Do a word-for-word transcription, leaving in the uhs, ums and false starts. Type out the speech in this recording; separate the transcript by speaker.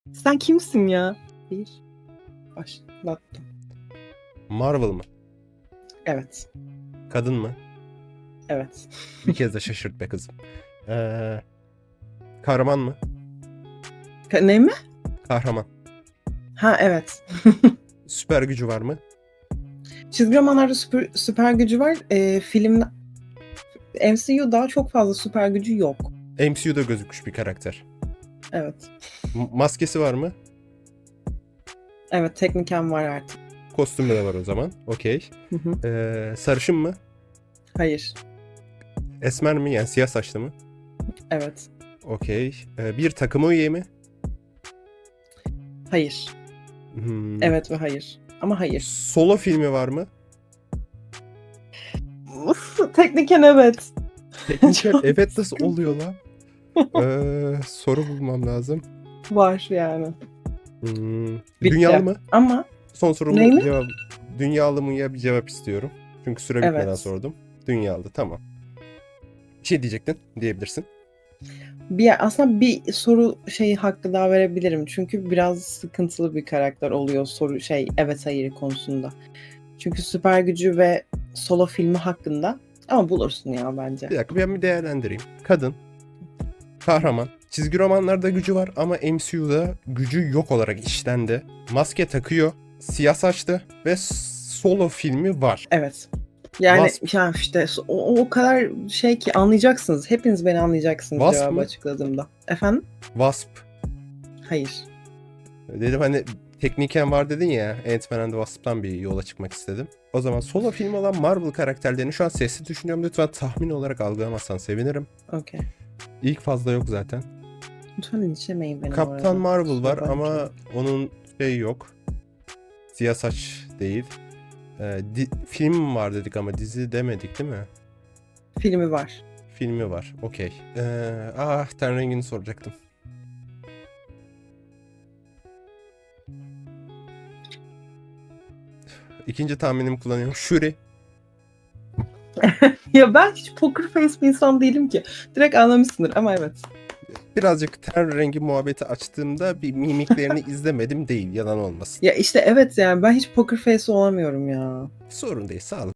Speaker 1: Sen kimsin ya? Bir. Başlattım.
Speaker 2: Marvel mı?
Speaker 1: Evet.
Speaker 2: Kadın mı?
Speaker 1: Evet.
Speaker 2: Bir kez de şaşırt be kızım. Ee, kahraman mı?
Speaker 1: Ka- ne mi?
Speaker 2: Kahraman.
Speaker 1: Ha evet.
Speaker 2: Süper gücü var mı?
Speaker 1: Çizgi romanlarda süper, süper gücü var. Ee, film M C U'da çok fazla süper gücü yok.
Speaker 2: M C U'da gözükmüş bir karakter.
Speaker 1: Evet.
Speaker 2: M- maskesi var mı?
Speaker 1: Evet, tekniken var artık.
Speaker 2: Kostümü de var o zaman. Okey.
Speaker 1: Hı hı.
Speaker 2: Ee, sarışın mı?
Speaker 1: Hayır.
Speaker 2: Esmer mi? Yani siyah saçlı mı?
Speaker 1: Evet.
Speaker 2: Okey. Ee, bir takıma üye mi?
Speaker 1: Hayır.
Speaker 2: Hmm.
Speaker 1: Evet ve hayır. Ama hayır.
Speaker 2: Solo filmi var mı?
Speaker 1: Uf, tekniken evet.
Speaker 2: Tekniker
Speaker 1: Çok
Speaker 2: evet nasıl
Speaker 1: sıkıntı.
Speaker 2: oluyor lan? Ee, soru bulmam lazım.
Speaker 1: Var yani.
Speaker 2: Hmm.
Speaker 1: Bitti.
Speaker 2: Dünyalı mı?
Speaker 1: Ama
Speaker 2: Son sorumu
Speaker 1: neyli?
Speaker 2: cevap. Dünyalı mı ya bir cevap istiyorum. Çünkü süre bitmeden
Speaker 1: Evet.
Speaker 2: sordum. Dünyalı tamam. Bir şey diyecektin diyebilirsin.
Speaker 1: Bir, aslında bir soru şeyi hakkı daha verebilirim. Çünkü biraz sıkıntılı bir karakter oluyor soru şey evet hayır konusunda. Çünkü süper gücü ve solo filmi hakkında. Ama bulursun ya bence.
Speaker 2: Bir dakika ben bir değerlendireyim. Kadın, kahraman, çizgi romanlarda gücü var ama M C U'da gücü yok olarak işlendi. Maske takıyor, siyah saçlı ve solo filmi var.
Speaker 1: Evet. Yani
Speaker 2: Wasp.
Speaker 1: ya işte o, o kadar şey ki anlayacaksınız. Hepiniz beni anlayacaksınız
Speaker 2: Wasp
Speaker 1: cevabı
Speaker 2: mı?
Speaker 1: açıkladığımda. Efendim?
Speaker 2: Wasp.
Speaker 1: Hayır.
Speaker 2: Dedim hani tekniken var dedin ya, Ant-Man and the Wasp'tan bir yola çıkmak istedim. O zaman solo film olan Marvel karakterlerini şu an sesli düşünüyorum. Lütfen tahmin olarak algılamazsan sevinirim.
Speaker 1: Okey.
Speaker 2: İlk fazla yok zaten.
Speaker 1: Lütfen linçlemeyin beni bu
Speaker 2: Kaptan
Speaker 1: arada.
Speaker 2: Marvel var
Speaker 1: Kusura
Speaker 2: ama
Speaker 1: bakmayın.
Speaker 2: onun şey yok. Siyah saç değil. Ee, di- film var dedik ama dizi demedik değil mi?
Speaker 1: Filmi var.
Speaker 2: Filmi var. Okey. Ee, ah ten rengini soracaktım. İkinci tahminimi kullanıyorum. Shuri.
Speaker 1: Ya ben hiç poker face bir insan değilim ki. Direkt anlamışsındır ama evet.
Speaker 2: Birazcık ten rengi muhabbeti açtığımda bir mimiklerini izlemedim değil. Yalan olmasın.
Speaker 1: Ya işte evet yani ben hiç poker face olamıyorum ya.
Speaker 2: Sorun değil. Sağlık.